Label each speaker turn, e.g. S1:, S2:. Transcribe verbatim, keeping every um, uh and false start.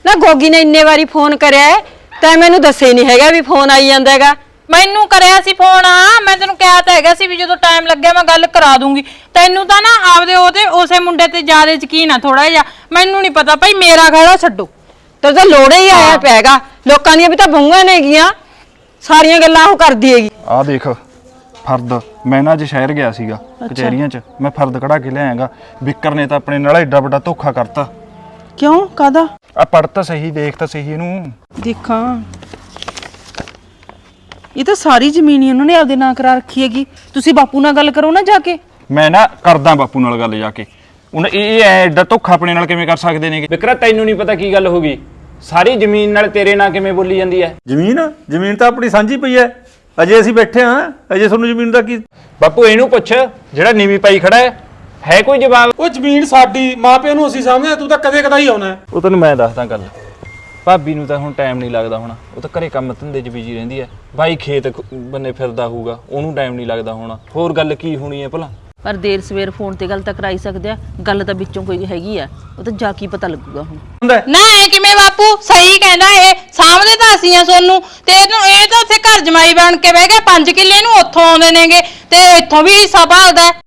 S1: ਨਾ ਗੋਗੀ ਨੇ ਇੰਨੇ ਵਾਰੀ ਫੋਨ ਕਰਿਆ ਤੈਂ ਮੈਨੂੰ ਦੱਸੇ ਨਹੀਂ ਹੈਗਾ ਵੀ ਫੋਨ ਆਈ ਜਾਂਦਾ ਹੈਗਾ।
S2: ਮੈਨੂੰ ਕਰਿਆ ਸੀ ਫੋਨ ਆ ਮੈਂ ਤੈਨੂੰ ਕਿਹਾ ਤਾਂ ਹੈਗਾ ਸੀ ਵੀ ਜਦੋਂ ਟਾਈਮ ਲੱਗਿਆ ਮੈਂ ਗੱਲ ਕਰਾ ਦੂੰਗੀ। ਤੈਨੂੰ ਤਾਂ ਨਾ ਆਪਦੇ ਉਹਦੇ ਉਸੇ ਮੁੰਡੇ ਤੇ ਜ਼ਿਆਦਾ ਯਕੀਨ ਆ ਥੋੜਾ ਜਿਹਾ। ਮੈਨੂੰ ਨਹੀਂ ਪਤਾ ਭਾਈ ਮੇਰਾ ਖੜਾ ਛੱਡੋ।
S1: ਤੇ ਤਾਂ ਲੋੜੇ ਹੀ ਆਇਆ ਪੈਗਾ ਲੋਕਾਂ ਦੀਆਂ ਵੀ ਤਾਂ ਬਹੂਆਂ ਨੇਗੀਆਂ ਸਾਰੀਆਂ ਗੱਲਾਂ ਉਹ ਕਰਦੀ ਹੈਗੀ।
S3: ਆਹ ਦੇਖ ਫਰਦ ਮੈਂ ਨਾ ਅੱਜ ਸ਼ਹਿਰ ਗਿਆ ਸੀਗਾ ਕਚਹਿਰੀਆਂ 'ਚ ਮੈਂ ਫਰਦ ਕਢਾ ਕੇ ਲਿਆਇਆਗਾ। ਵਿਕਰ ਨੇ ਤਾਂ ਆਪਣੇ ਨਾਲ ਐਡਾ ਵੱਡਾ ਧੋਖਾ ਕਰਤਾ।
S4: ਕਿਉਂ ਕਾਦਾ?
S3: ਆ ਪੜ ਤਾਂ ਸਹੀ ਦੇਖ ਤਾਂ ਸਹੀ ਇਹਨੂੰ।
S4: ਦੇਖਾਂ ਇਹ ਤਾਂ ਸਾਰੀ ਜ਼ਮੀਨ ਹੀ ਉਹਨਾਂ ਨੇ ਆਪਦੇ ਨਾਂ ਕਰਾ ਰੱਖੀ ਹੈਗੀ। ਤੁਸੀਂ ਬਾਪੂ ਨਾਲ ਗੱਲ ਕਰੋ ਨਾ ਜਾ ਕੇ।
S3: ਮੈਂ ਨਾ ਕਰਦਾ ਬਾਪੂ ਨਾਲ ਗੱਲ ਜਾ ਕੇ। ਹੁਣ ਇਹ ਐਡਾ ਧੋਖਾ ਆਪਣੇ ਨਾਲ ਕਿਵੇਂ ਕਰ ਸਕਦੇ ਨੇ?
S5: ਵਿਕਰਾ ਤੈਨੂੰ ਨਹੀਂ ਪਤਾ ਕੀ ਗੱਲ ਹੋ ਗਈ? ਸਾਰੀ ਜ਼ਮੀਨ ਨਾਲ ਤੇਰੇ ਨਾਂ ਕਿਵੇਂ ਬੋਲੀ ਜਾਂਦੀ ਹੈ?
S6: ਜ਼ਮੀਨ ਜ਼ਮੀਨ ਤਾਂ ਆਪਣੀ ਸਾਂਝੀ ਪਈ ਐ। ਅਜੇ ਅਸੀਂ ਬੈਠੇ ਹਾਂ ਅਜੇ ਤੁਹਾਨੂੰ ਜ਼ਮੀਨ ਦਾ ਕੀ?
S5: ਬਾਪੂ ਇਹਨੂੰ ਪੁੱਛ ਜਿਹੜਾ ਨੀਵੀਂ ਪਾਈ ਖੜਾ ਹੈ ਹੈ ਕੋਈ ਜਵਾਬ?
S7: ਉਹ ਜ਼ਮੀਨ ਸਾਡੀ ਮਾਪਿਆਂ ਨੂੰ ਅਸੀਂ ਸਮਝਦੇ ਤੂੰ ਤਾਂ ਕਦੇ ਕਦਾ ਹੀ ਆਉਣਾ।
S3: ਉਹ ਤੈਨੂੰ ਮੈਂ ਦੱਸਦਾ ਗੱਲ। ਭਾਬੀ ਨੂੰ ਤਾਂ ਹੁਣ ਟਾਈਮ ਨਹੀਂ ਲੱਗਦਾ ਹੋਣਾ। ਉਹ ਤਾਂ ਘਰੇ ਕੰਮ ਧੰਦੇ 'ਚ ਬਿਜੀ ਰਹਿੰਦੀ ਹੈ। ਬਾਈ ਖੇਤ ਬੰਨੇ ਫਿਰਦਾ ਹੋਊਗਾ ਉਹਨੂੰ ਟਾਈਮ ਨਹੀਂ ਲੱਗਦਾ ਹੋਣਾ। ਹੋਰ ਗੱਲ ਕੀ ਹੋਣੀ ਹੈ ਭਲਾ?
S8: ਪਰ ਦੇਰ ਸਵੇਰ ਫੋਨ ਤੇ ਗੱਲ ਤਾਂ ਕਰਾਈ ਸਕਦੇ ਆ। ਗੱਲ ਤਾਂ ਵਿੱਚੋਂ ਕੋਈ ਹੈਗੀ ਆ ਉਹ ਤਾਂ ਜਾ ਕੀ ਪਤਾ ਲੱਗੂਗਾ ਹੁਣ।
S2: ਨਾ ਇਹ ਕਿਵੇਂ ਬਾਪੂ ਸਹੀ ਕਹਿੰਦਾ ਇਹ ਸਾਹਮਣੇ ਤਾਂ ਅਸੀਂ ਆ ਸੋਨੂੰ ਤੇ ਇਹਨੂੰ ਇਹ ਤਾਂ ਉੱਥੇ ਘਰ ਜਮਾਈ ਬਣ ਕੇ ਬਹਿ ਗਿਆ। ਪੰਜ ਕਿੱਲੇ ਨੂੰ ਉੱਥੋਂ ਆਉਂਦੇ ਨੇਗੇ ਤੇ ਇੱਥੋਂ ਵੀ ਹਿੱਸਾ ਭਾਲਦਾ।